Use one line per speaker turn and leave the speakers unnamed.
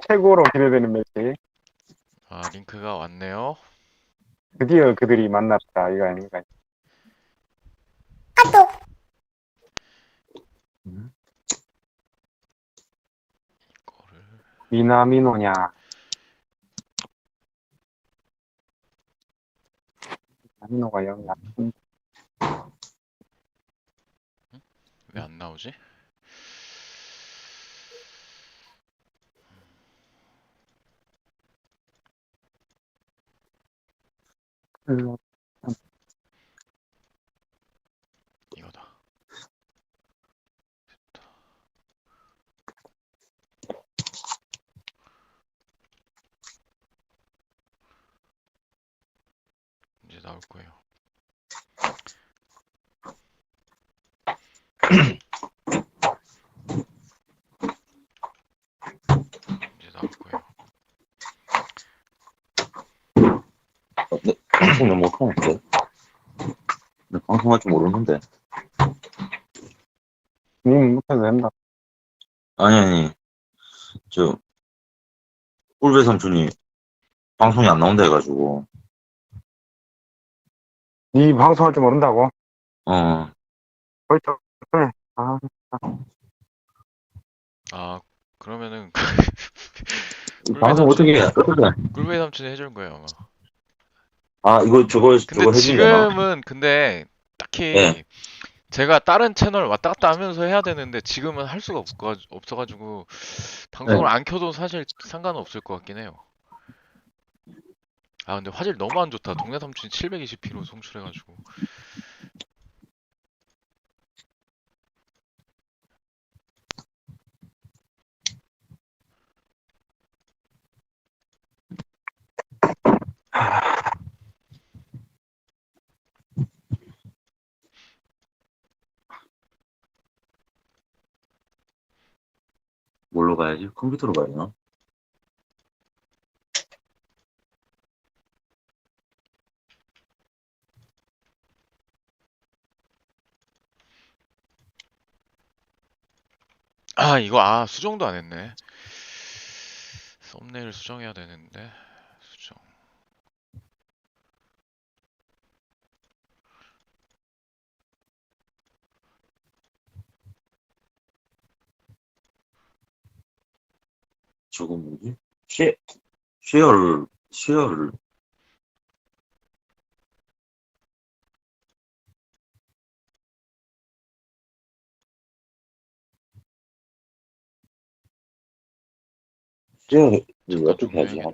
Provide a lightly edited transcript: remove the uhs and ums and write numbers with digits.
최고로 기대되는 매치.
아, 링크가 왔네요.
드디어 그들이 만났다. 이거 아닌가.
음?
이거를
미나미노냐. 미나미노가 영 약한.
왜 안 나오지? 이거다. 이제 나올 거예요. 이제 나올 거예요.
네, 방송을 못하는데? 나 방송할 줄 모르는데.
님 못해도 된다.
아니, 저, 꿀배 삼촌이 방송이 안 나온다 해가지고,
니 방송할 줄 모른다고?
어,
그렇죠. 그래. 아,
아, 그러면은 꿀베
방송
삼촌,
어떻게.
꿀베 삼촌이 해준 거예요, 아마.
아,
근데
저거 해주면 되나?
지금은 근데
예,
딱히 제가 다른 채널 왔다 갔다 하면서 해야 되는데 지금은 할 수가 없어가지고 방송을
예.
안 켜도 사실 상관은 없을 것 같긴 해요. 아, 근데 화질 너무 안 좋다. 동네 삼촌이 720p로 송출해가지고.
뭘로 봐야지? 컴퓨터로 봐야 되나?
아, 이거, 수정도 안 했네. 썸네일 수정해야 되는데, 수정.
저거 뭐지? 쉐어를, 쉐어를
잠깐
어떻게 하지?
정리해야겠네.